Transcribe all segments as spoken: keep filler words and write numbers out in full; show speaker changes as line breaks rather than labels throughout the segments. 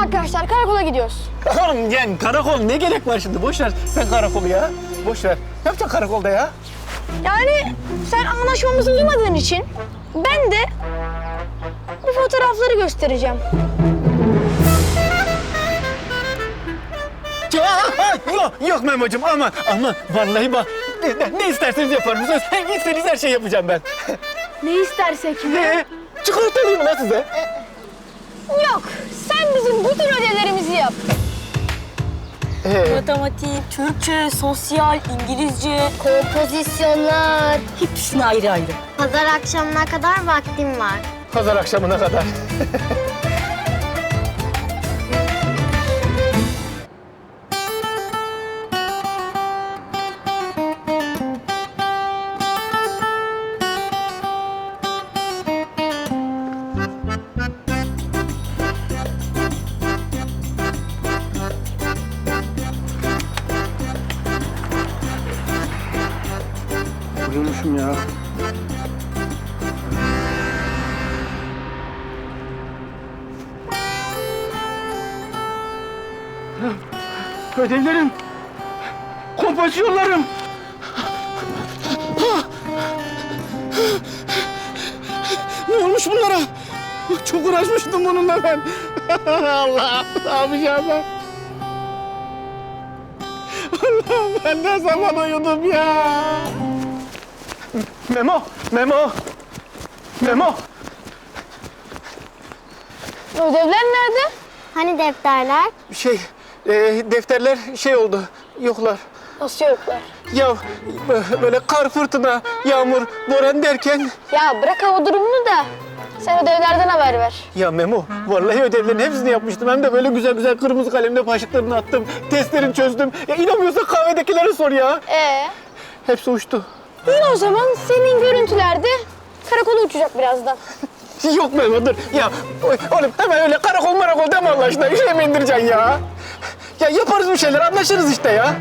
arkadaşlar karakola gidiyoruz.
Oğlum yani karakol ne gerek var şimdi? Boş ver sen karakolu ya. Boş ver. Ne yapacaksın karakolda ya?
Yani sen anlaşmamızı uymadığın için ben de bu fotoğrafları göstereceğim.
Ya, yok, yok Memo'cum aman aman. Vallahi bak ne, ne isterseniz yaparım. Söz, istediğiniz her şeyi yapacağım ben.
Ne istersek mi?
Ne? Çikolata alayım mı lan size?
Yok, sen bizim bütün ödevlerimizi yap.
Ee,
Matematik, Türkçe, sosyal, İngilizce.
Kompozisyonlar.
Hepsini ayrı ayrı.
Pazar akşamına kadar vaktim var.
pazar akşamına kadar. Uyumuşum ya. Ödevlerim, kompozisyonlarım. Ne olmuş bunlara? Çok uğraşmıştım bununla ben. Allah, ne yapacağım ben? Allah, ben ne zaman uyudum ya? Memo, Memo, Memo.
Ödevler nerede?
Hani defterler?
Şey, e, defterler şey oldu, yoklar.
Nasıl yoklar?
Ya böyle kar, fırtına, yağmur, boran derken...
Ya bırak hava durumunu da sen ödevlerden haber ver.
Ya Memo, vallahi ödevlerin hepsini yapmıştım. Hem de böyle güzel güzel kırmızı kalemle başlıklarını attım. Testlerini çözdüm. Ya inanmıyorsan kahvedekilere sor ya.
Ee,
Hepsi uçtu.
iyi o zaman senin görüntülerde karakola uçacak birazdan.
Yok Memo dur. Ya oğlum hemen öyle karakol marakol deme Allah aşkına. İşe mi indireceksin ya? Ya yaparız bir şeyler, anlaşırız işte ya.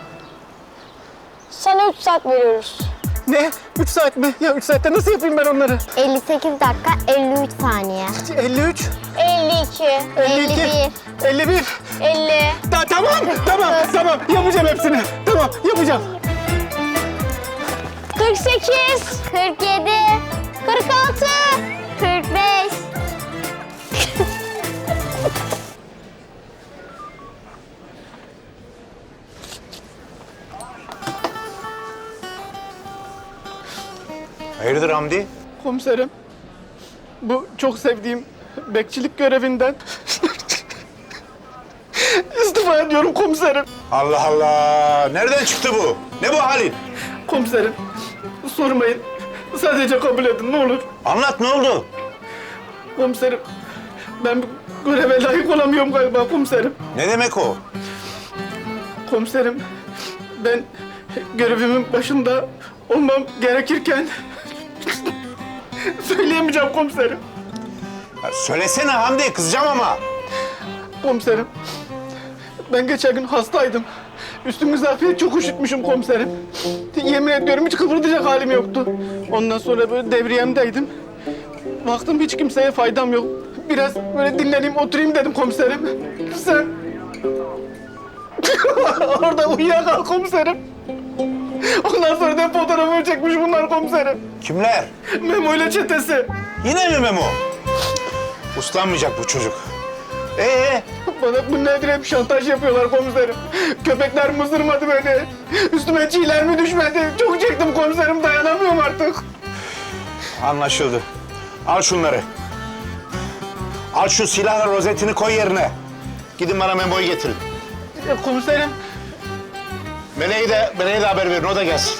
Sana üç saat veriyoruz.
Ne? Üç saat mi? Ya üç saatte nasıl yapayım ben onları?
elli sekiz dakika elli üç saniye.
elli üç,
elli iki,
elli iki, elli bir.
elli.
Ta tamam, tamam, tamam. Yapacağım hepsini. Tamam, yapacağım.
kırk sekiz,
kırk yedi,
kırk altı.
kırk beş.
Hayırdır Hamdi?
Komiserim, bu çok sevdiğim bekçilik görevinden istifa ediyorum komiserim.
Allah Allah! Nereden çıktı bu? Ne bu halin?
Komiserim, sormayın. Sadece kabul edin ne olur.
Anlat ne oldu?
Komiserim, ben bu göreve layık olamıyorum galiba komiserim.
Ne demek o?
Komiserim, ben görevimin başında olmam gerekirken söyleyemeyeceğim komiserim.
Ya söylesene Hamdi, kızacağım ama.
Komiserim, ben geçen gün hastaydım. Üstüm zafiyet çok üşütmüşüm komiserim. Yemin ediyorum hiç kıpırdayacak halim yoktu. Ondan sonra böyle devriyemdeydim. Baktım hiç kimseye faydam yok. Biraz böyle dinleneyim, oturayım dedim komiserim. Sen... Orada uyuyakal komiserim. Ondan sonra da fotoğrafımı çekmiş bunlar komiserim.
Kimler?
Memo ile çetesi.
Yine mi Memo? Uslanmayacak bu çocuk. Ee,
Bana bu nedir hep şantaj yapıyorlar komiserim. Köpekler mızırmadı beni. Üstüme çiğler mi düşmedi? Çok çektim komiserim, dayanamıyorum artık.
anlaşıldı. Al şunları. Al şu silahla rozetini koy yerine. Gidin bana Memo'yu getirin.
E, komiserim,
Meleğe de, Meleğe de haber verin, o da gelsin.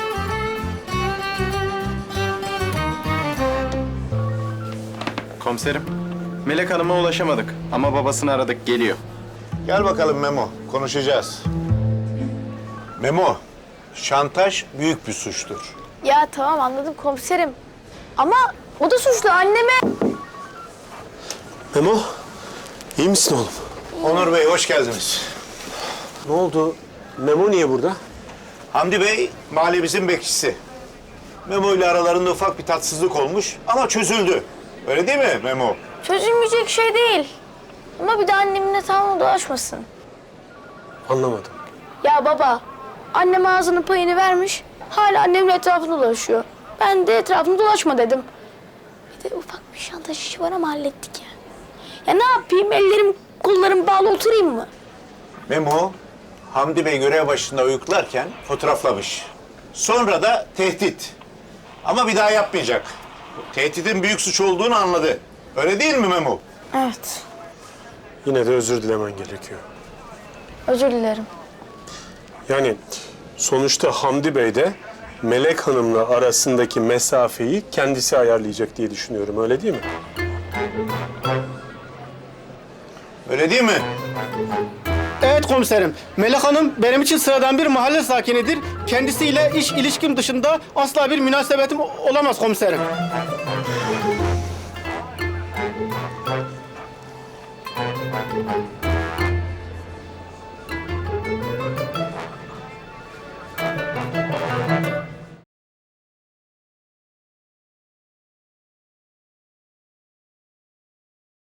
Komiserim, Melek Hanım'a ulaşamadık ama babasını aradık, geliyor.
Gel bakalım Memo, konuşacağız. Memo, şantaj büyük bir suçtur.
Ya tamam anladım komiserim. Ama o da suçlu anneme.
Memo, iyi misin oğlum?
Onur Bey, hoş geldiniz.
Ne oldu? Memo niye burada?
Hamdi Bey, mahallemizin bekçisi. Memo ile aralarında ufak bir tatsızlık olmuş ama çözüldü. Öyle değil mi Memo?
Çözülmeyecek şey değil. Ama bir de annemin etrafına dolaşmasın.
Anlamadım.
Ya baba, annem ağzının payını vermiş, hala annemin etrafında dolaşıyor. Ben de etrafında dolaşma dedim. Bir de ufak bir şantaj işi var ama hallettik ya. Ya ne yapayım, ellerim kollarım bağlı oturayım mı?
Memo, Hamdi Bey görev başında uyuklarken fotoğraflamış. Sonra da tehdit. Ama bir daha yapmayacak. Tehditin büyük suç olduğunu anladı. Öyle değil mi Memo?
Evet,
Yine de özür dilemen gerekiyor.
özür dilerim.
Yani sonuçta Hamdi Bey de Melek Hanım'la arasındaki mesafeyi kendisi ayarlayacak diye düşünüyorum. Öyle değil mi?
Öyle değil mi?
Evet komiserim. Melek Hanım benim için sıradan bir mahalle sakinidir. Kendisiyle iş ilişkim dışında asla bir münasebetim olamaz komiserim.